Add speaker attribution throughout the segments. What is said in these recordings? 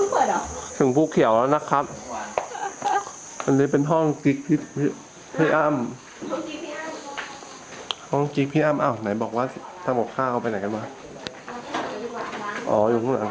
Speaker 1: เปิดเหรอ
Speaker 2: ถึงภูเขียวแล้วนะครับอันนี้เป็นห้องกิ๊กพี่อ้ำห้องกิ๊กพี่อ้ำอ้าวไหนบอกว่าทำกับข้าวไปไหนกันมาอ๋ออยู่ข้างหลัง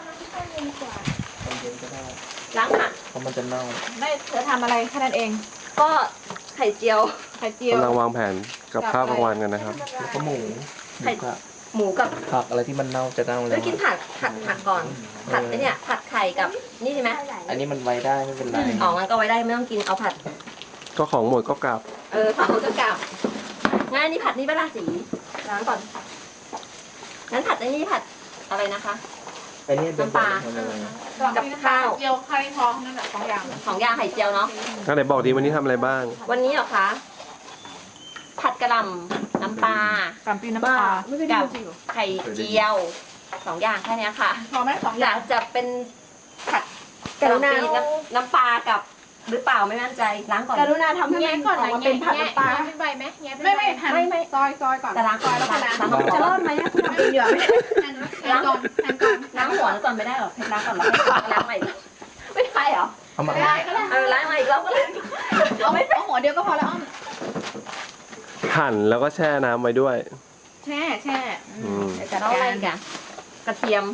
Speaker 1: ล้างผัก
Speaker 3: เพราะมันจะเน่า
Speaker 1: ไม่เธอทำอะไรแค่นั้นเอง
Speaker 4: ก็ไข่เจียว
Speaker 2: กำลังวางแผนกับข้าวกลางวันกันนะครับ
Speaker 3: แล้วก็หมู
Speaker 4: หมูกับ
Speaker 3: ผักอะไรที่มันเน่าจะเน่าเลย
Speaker 4: กินผัดก่อนผัดไอเนี่ยผัดไข่กับนี่ใช่ไหม
Speaker 3: อันนี้มันไว้ได้ไม่เป็นไร
Speaker 4: อ๋องั้นก็ไว้ได้ไม่ต้องกินเอาผัด
Speaker 2: ก็ของหมดก็กลับ
Speaker 4: ผัดหมดก็กลับงั้นนี่ผัดนี่เวลาสีล้างก่อนงั้นผัดไอ้นี่ผัดอะไรนะคะ
Speaker 3: ไอ้นี่
Speaker 4: น้ำปลากับข้าว
Speaker 1: เจียวไข่ทองนั่นแหละ2 อย่าง
Speaker 4: ไข่เจียวเนาะ
Speaker 2: ก็ไหนบอกดีวันนี้ทำอะไรบ้าง
Speaker 4: วันนี้เหรอคะผัดกระหล่ำน้ำปลา
Speaker 1: กับน้ำปลา
Speaker 4: กับไข่เจียว2 อย่างแค่นี้ค่ะ
Speaker 1: พอไหม2 อย่าง
Speaker 4: จะเป็นผัดกระหล่ำน้ำปลากับหรือเปล่าไม่มั่นใจล้างก่อน
Speaker 1: กรุณาทำให้มันก่อนมาเป็นผัดน้ำปลา
Speaker 4: ไม่ใบไหม
Speaker 1: ไม่ซอยก่อน
Speaker 4: แต่ล้างก่อนแล้วก็ล้าง
Speaker 1: จะรอดไหมคุณทำเองเดี๋ยว
Speaker 4: ล้างก่อนหัวก่อนไม่ได้หรอล้างก่อนแล้วล้างใหม่ไม่ใช่หรอ
Speaker 3: เอามา
Speaker 4: ล้างใหม่อีกรอบก็เลย
Speaker 1: เอาหัวเดียวก็พอแล้วอ้อม
Speaker 2: หั่นแล้วก็แช่น้ำไว้ด้วย
Speaker 1: แช่
Speaker 4: จะต้องอะไรกันกระเทียม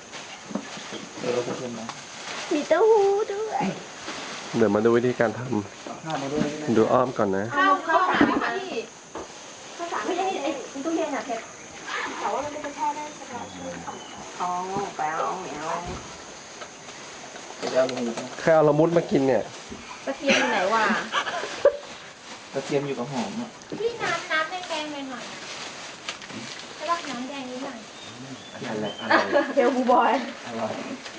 Speaker 4: มีเต้าหู้ด้วย
Speaker 2: เดี๋ยวมาดูวิธีการทำดูอ้อมก่อนนะ
Speaker 1: ข้าวหาไหมคะพี่
Speaker 4: ภาษาไม่ใช่ไอ้ตู้เย็นอะเพชรแต่ว่ามันไม่ได้แช่ได้ใช่ไหมอ๋อแปลวเหนียว
Speaker 2: แค่เอาละมุดมากินเนี่ย
Speaker 4: กระเทียมอยู่ไหนวะ
Speaker 3: กระเทียมอยู่กับหอมอ่ะ
Speaker 1: พี่น้ำแดงหน่อยจะรักน้ำแดงนิดหน่อย
Speaker 4: เทลบูบอย
Speaker 3: อร่อย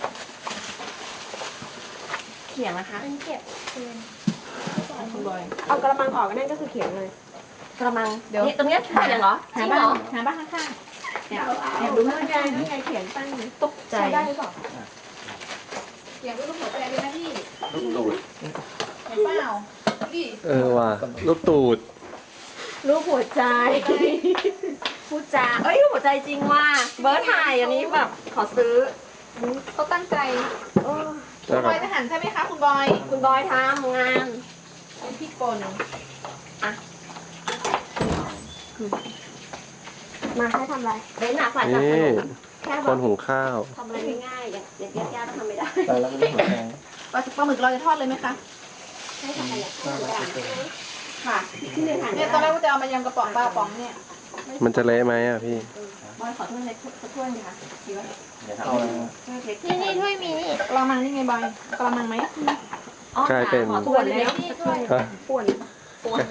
Speaker 4: เขียงนะคะ
Speaker 1: เก็บ
Speaker 4: คุณบอยเอากระมังออกนั่นก็คือเขียงเลยกระมังเดี๋ยวตรงนี้เขียงเหรอ
Speaker 1: หาบ้านข้างๆเนี่ยดูนี่ไงเขียงตั้ง
Speaker 4: ตกใจ
Speaker 1: ได้หรือเปล่าเขียงรูปหัวใจเลยนะพี่
Speaker 2: ลูกตูด
Speaker 1: เห็นเปล่า
Speaker 2: ว่ะลูกตูด
Speaker 4: รูปหัวใจพูดจาหัวใจจริงว่ะเบิร์ดถ่ายอันนี้แบบขอซื้อ
Speaker 1: เขาตั้งใจคุณบอยจะหันใช่ไหมคะคุณบอย
Speaker 4: ทำงาน
Speaker 1: เป็นพี่กล
Speaker 4: อ่ะมาให้ทำอะไรเบ้นหนักฝ่ายจับขนม
Speaker 2: แค่คนหุงข้าว
Speaker 4: ทำอะไรง่ายๆอย่างยากๆก็ทำไม่ได้
Speaker 3: แล้วก็ไม่หัวแดง
Speaker 1: ปลาหมึกเราจะทอดเลยไหมคะ
Speaker 4: ให้ทำอะไรค่ะ
Speaker 1: เนี่ยตอนแรกว่าจะเอามายำกระป๋องปลาป๋องเนี่ย
Speaker 2: มันจะเละไหมอ่ะพี่
Speaker 4: บอยขอโทษในถ้วยค่ะ
Speaker 1: นี่ถ้วยมีกระมังนี่ไงบอยกระมังไหม
Speaker 2: กลายเป็น
Speaker 4: ป่วนแล้วป่วน